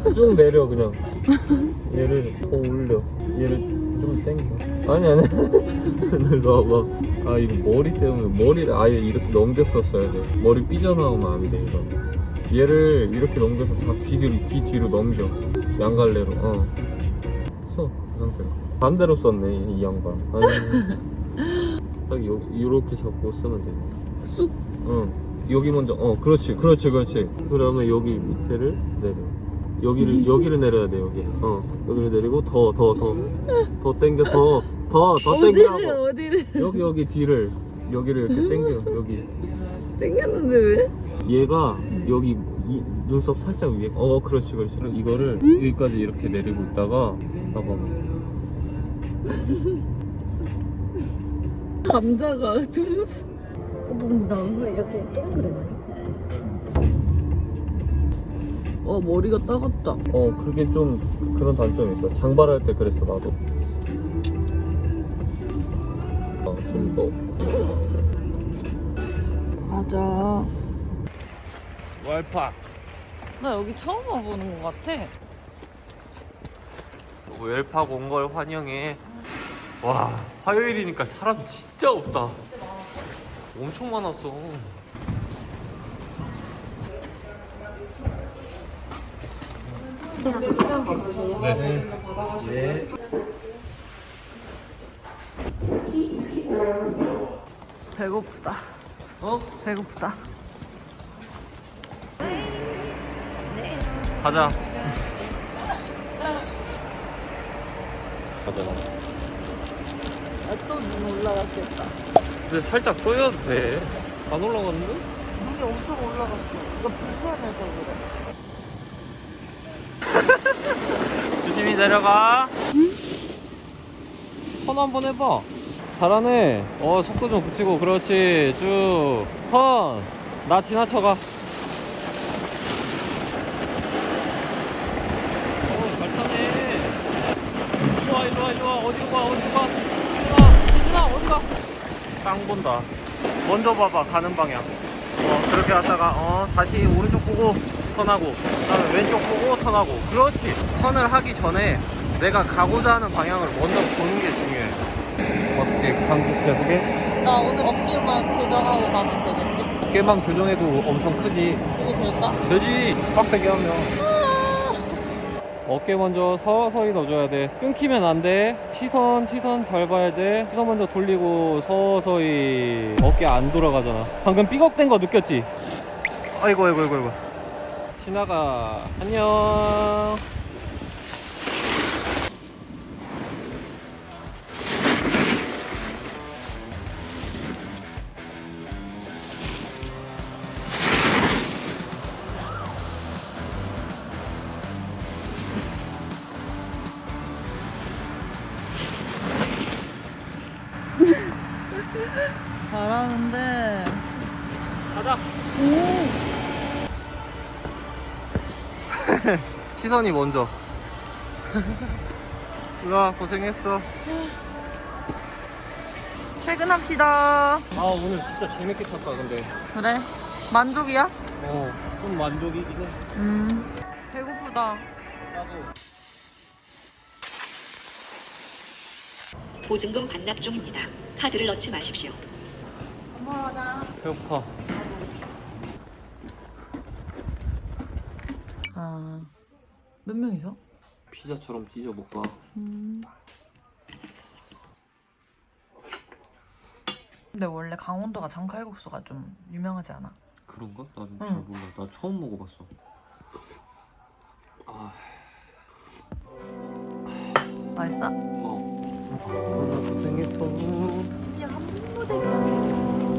쭉 내려 그냥. 얘를 더 올려. 얘를 좀 당겨. 아니 일로 와봐. 아 이거 머리 때문에 머리를 아예 이렇게 넘겼었어야 돼. 머리 삐져나오면 안 돼 이거. 얘를 이렇게 넘겨서 다 귀 뒤로 넘겨. 양갈래로. 써 그 상태로. 반대로 썼네 이 양반. 아니 딱 요렇게 잡고 쓰면 돼. 쑥. 응. 여기 먼저. 그렇지. 그러면 여기 밑에를 내려. 여기를 내려야 돼 여기. 여기를 내리고 더 당겨 더 당기라고. 어디를? 여기 뒤를 여기를 이렇게 당겨 여기. 땡겼는데 왜? 얘가 여기 눈썹 살짝 위에. 그렇지. 이거를 여기까지 이렇게 내리고 있다가 봐봐. 감자가 두. 근데 나 얼굴이 이렇게 동그래서. 머리가 따갑다. 그게 좀 그런 단점이 있어. 장발할 때 그랬어 나도. 좀 더. 맞아. 웰팍. 나 여기 처음 와보는 것 같아. 웰팍 온 걸 환영해. 와, 화요일이니까 사람 진짜 없다. 엄청 많았어. 네. 예. 배고프다. 배고프다. 가자. 또 눈 올라갔겠다. 근데 살짝 쪼여도 돼. 안 올라갔는데? 눈이 엄청 올라갔어. 이거 불편해서 그래. 조심히 내려가. 턴 한번 해봐. 잘하네. 속도 좀 붙이고. 그렇지. 쭉 턴. 나 지나쳐가. 잘 타네. 좋아. 어디로 가. 희준아 어디가. 깡 본다. 먼저 봐봐 가는 방향. 그렇게 갔다가 다시 오른쪽 보고 턴하고, 그다음에 왼쪽 보고 턴하고. 그렇지. 턴을 하기 전에 내가 가고자 하는 방향을 먼저 보는 게 중요해. 어떻게 강습 계속해? 나 오늘 어깨만 교정하고 가면 되겠지? 어깨만 교정해도 엄청 크지. 그게 될까? 되지. 빡세게 하면. 어깨 먼저 서서히 넣어줘야 돼. 끊기면 안 돼. 시선 잘 봐야 돼. 시선 먼저 돌리고 서서히. 어깨 안 돌아가잖아. 방금 삐걱댄 거 느꼈지? 아이고. 신아가 안녕. 잘하는데. 가자. 시선이 먼저. 우와 고생했어. 퇴근합시다. 오늘 진짜 재밌게 탔다 근데. 그래? 만족이야? 좀 만족이긴 해. 배고프다. 나도. 보증금 반납 중입니다. 카드를 넣지 마십시오. 고마워. 배고파. 몇 명이서? 피자처럼 찢어볼까? 근데 원래 강원도가 장칼국수가 좀 유명하지 않아? 그런가? 나는 잘 몰라. 나 처음 먹어봤어. 맛있어? 고생했어. 집이 한 무대가.